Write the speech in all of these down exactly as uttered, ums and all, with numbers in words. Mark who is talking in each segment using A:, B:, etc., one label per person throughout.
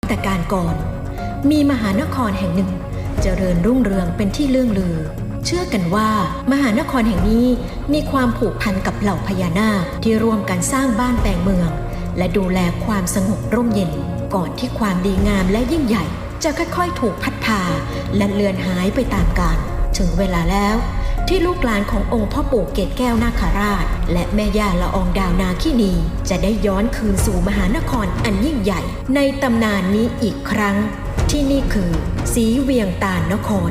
A: แต่การก่อนมีมหานครแห่งหนึ่งเจริญรุ่งเรืองเป็นที่เลื่องลือเชื่อกันว่ามหานครแห่งนี้มีความผูกพันกับเหล่าพญานาคที่ร่วมกันสร้างบ้านแปลงเมืองและดูแลความสงบร่มเย็นก่อนที่ความดีงามและยิ่งใหญ่จะค่อยๆถูกพัดพาและเลือนหายไปตามกาลถึงเวลาแล้วที่ลูกหลานขององค์พ่อปู่เกศแก้วนาคราชและแม่ย่าละอองดาวนาคินีจะได้ย้อนคืนสู่มหานครอันยิ่งใหญ่ในตำนานนี้อีกครั้งที่นี่คือศรีเวียงตาลนคร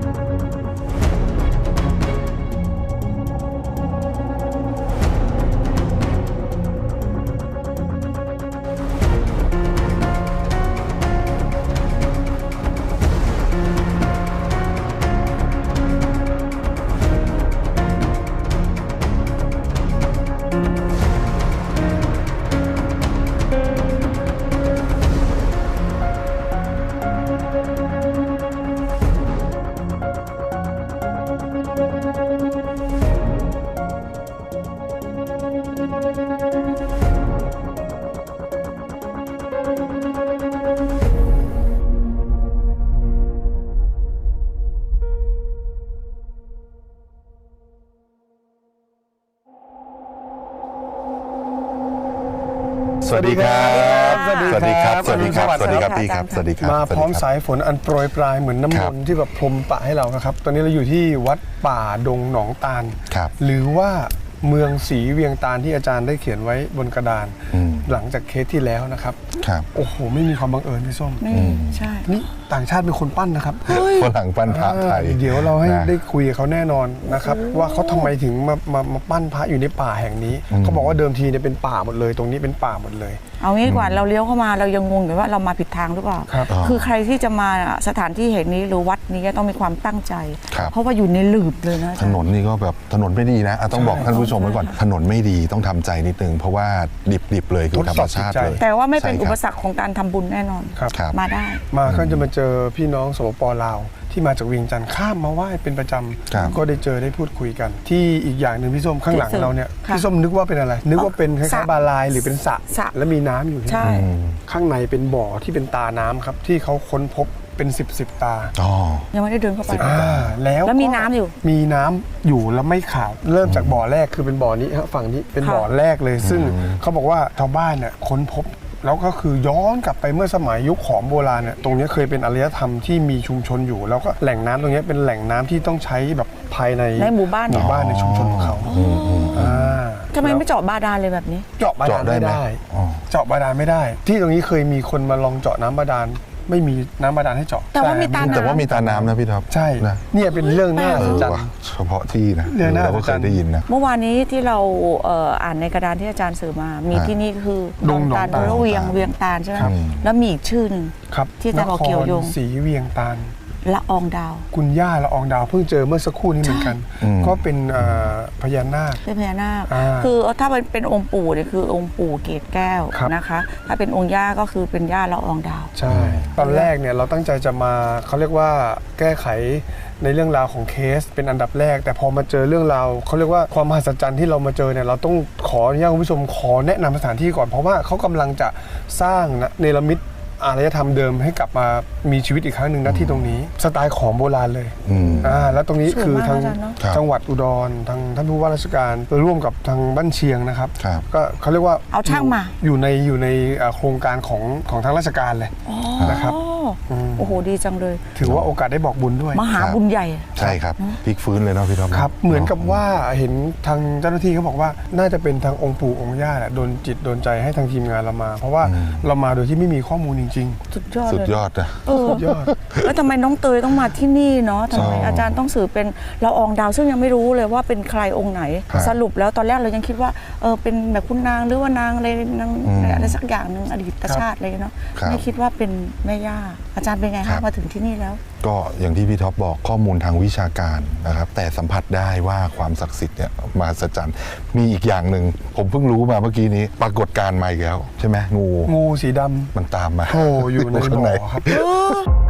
B: สวัสดีครับสวัสดีครับ
C: สวัสดีครับ
B: สวัสดีครับพี่ครับ สวัสดีครับ
C: มาพร้อมสายฝนอันโปรยปลายเหมือนน้ำมนต์ที่แบบพรมปะให้เรานะครับ ตอนนี้เราอยู่ที่วัดป่าดงหนองตาล หรือว่าเมืองศรีเวียงตาลที่อาจารย์ได้เขียนไว้บนกระดานหลังจากเคสที่แล้วนะครับโอ้โหไม่มีความบังเอิญพี่ส้ม
D: ไม่ใช่
C: นี่ต่างชาติเป็นคนปั้นนะครับ
B: ฝรั่งปั้นพระไทย
C: เดี๋ยวเราให้ได้คุยกับเขาแน่นอนนะครับว่าเขาทำไมถึงมามามาปั้นพระอยู่ในป่าแห่งนี้เขาบอกว่าเดิมทีเนี่ยเป็นป่าหมดเลยตรงนี้เป็นป่าหมดเลย
D: เอางี้ดีกว่าเราเลี้ยวเข้ามาเรายังงงอยู่ว่าเรามาผิดทางหรือเปล่าคือใครที่จะมาสถานที่แห่งนี้หรือวัดนี้ต้องมีความตั้งใจเพราะว่าอยู่ในหลืบเลยนะ
B: ถนนนี่ก็แบบถนนไม่ดีนะต้องบอกท่านผู้ชมไว้ก่อนถนนไม่ดีต้องทำใจนิดนึงเพราะว่าดิบๆเลยคือธรรมชาติเลย
D: แต่ว่าไม่เป็นอุปสรรคของการทำบุญแน่นอนมาได้
C: มาก็จะมาเจอพี่น้องสปป.ลาวที่มาจากเวียงจันทร์ข้ามมาไหว้เป็นประจำก็ได้เจอได้พูดคุยกันที่อีกอย่างหนึ่งพี่ส้มข้างหลังเราเนี่ยพี่ส้มนึกว่าเป็นอะไรนึกว่าเป็นคล้ายๆบาลายหรือเป็นสระแล้วมีน้ำอยู่ใช่ข้างในเป็นบ่อที่เป็นตาน้ำครับที่เขาค้นพบเป็นสิบสิบตา
D: ยังไม่ได้เดินเข้าไป
C: แล้ว
D: แล้วมีน้ำอยู่
C: มีน้ำอยู่แล้วไม่ขาดเริ่มจากบ่อแรกคือเป็นบ่อนี้ครับฝั่งนี้เป็นบ่อแรกเลยซึ่งเขาบอกว่าชาวบ้านเนี่ยค้นพบแล้วก็คือย้อนกลับไปเมื่อสมัยยุคขอมโบราณเนี่ยตรงนี้เคยเป็นอารยธรรมที่มีชุมชนอยู่แล้วก็แหล่งน้ำตรงนี้เป็นแหล่งน้ำที่ต้องใช้แบบภายใน
D: ในหมู่บ้าน
C: หมู่บ้านในชุมชนของเขา
D: ทำไมไม่เจาะบาดาลเลยแบบนี้
C: เจาะบาดาลไม่ได้เจาะบาดาลไม่ได้ที่ตรงนี้เคยมีคนมาลองเจาะน้ำบาดาลไม่มีน้ำบาดาลให้เจาะ
D: แต่ว่ามีตาน้ำ
B: แต่ว่ามีตาน้ำนะพี่ท็อป
C: ใช่นะเนี่ยเป็นเรื่องน่าสนใจ
B: เฉพาะที่นะเราก็เคยได้ยินนะ
D: เมื่อวานนี้ที่เราอ่านในกระดานที่อาจารย์สื่อมามีที่นี่คือ
C: ดงหนองตาล
D: เวียงเวียงตาลใช่ไหมแล้วมีอีกชื่อหนึ่งที่อาจารย์บอกเกี่ยวโยง
C: ศรีเวียงตาล
D: ละอองดาว
C: คุณย่าละอองดาวเพิ่งเจอเมื่อสักครู่นี้เหมือนกันก็เป็นพญานาค
D: เป็นพญานาคคือถ้าเป็นองค์ปู่เนี่ยคือองค์ปู่เกศแก้วนะคะถ้าเป็นองค์ย่าก็คือเป็นย่าละอองดาว
C: ใช่ตอนแรกเนี่ยเราตั้งใจจะมาเขาเรียกว่าแก้ไขในเรื่องราวของเคสเป็นอันดับแรกแต่พอมาเจอเรื่องราวเขาเรียกว่าความมหัศจรรย์ที่เรามาเจอเนี่ยเราต้องขออนุญาตคุณผู้ชมขอแนะนำสถานที่ก่อนเพราะว่าเขากำลังจะสร้างเนรมิตอารยธรรมเดิมให้กลับมามีชีวิตอีกครั้งหนึ่งนะที่ตรงนี้สไตล์ของโบราณเลยอ่าแล้วตรงนี้คือทางจังหวัดอุดรทางท่านผู้ว่าราชการร่วมกับทางบ้านเชียงนะครับก็เขาเรียกว่า
D: เอาช่างมา
C: อยู่ในอยู่ในโครงการของของทางราชการเลยนะครับ
D: โอ้โหดีจังเลย
C: ถือว่าโอกาสได้บอกบุญด้วย
D: มหาบุญใหญ่
B: ใช่ครับพลิกฟื้นเลยเนาะพี่ท็อป
C: ครับเหมือนกับว่าเห็นทางเจ้าหน้าที่เขาบอกว่าน่าจะเป็นทางองค์ปู่องค์ย่าแหละโดนจิตโดนใจให้ทางทีมงานเรามาเพราะว่าเรามาโดยที่ไม่มีข้อมูลจริง
D: ๆสุดยอด
B: สุดยอดนะ
C: สุดยอด
D: แล้วทำไมน้องเตยต้องมาที่นี่เนาะทำไมอาจารย์ต้องสื่อเป็นละอองดาวซึ่งยังไม่รู้เลยว่าเป็นใครองค์ไหนสรุปแล้วตอนแรกเรายังคิดว่าเออเป็นแบบคุณนางหรือว่านางอะไรนางอะไรสักอย่างหนึ่งอดีตชาติเลยเนาะไม่คิดว่าเป็นแม่ย่าอาจารย์เป็นไงคะมาถึงที่นี่แล้ว
B: ก็อย่างที่พี่ท็อปบอกข้อมูลทางวิชาการนะครับแต่สัมผัสได้ว่าความศักดิ์สิทธิ์เนี่ยมหัศจรรย์มีอีกอย่างหนึ่งผมเพิ่งรู้มาเมื่อกี้นี้ปรากฏการณ์ใหม่แล้วใช่ไหมงู
C: งูสีดำ
B: มันตามมา
C: โอ้อยู่ในบ่อครับ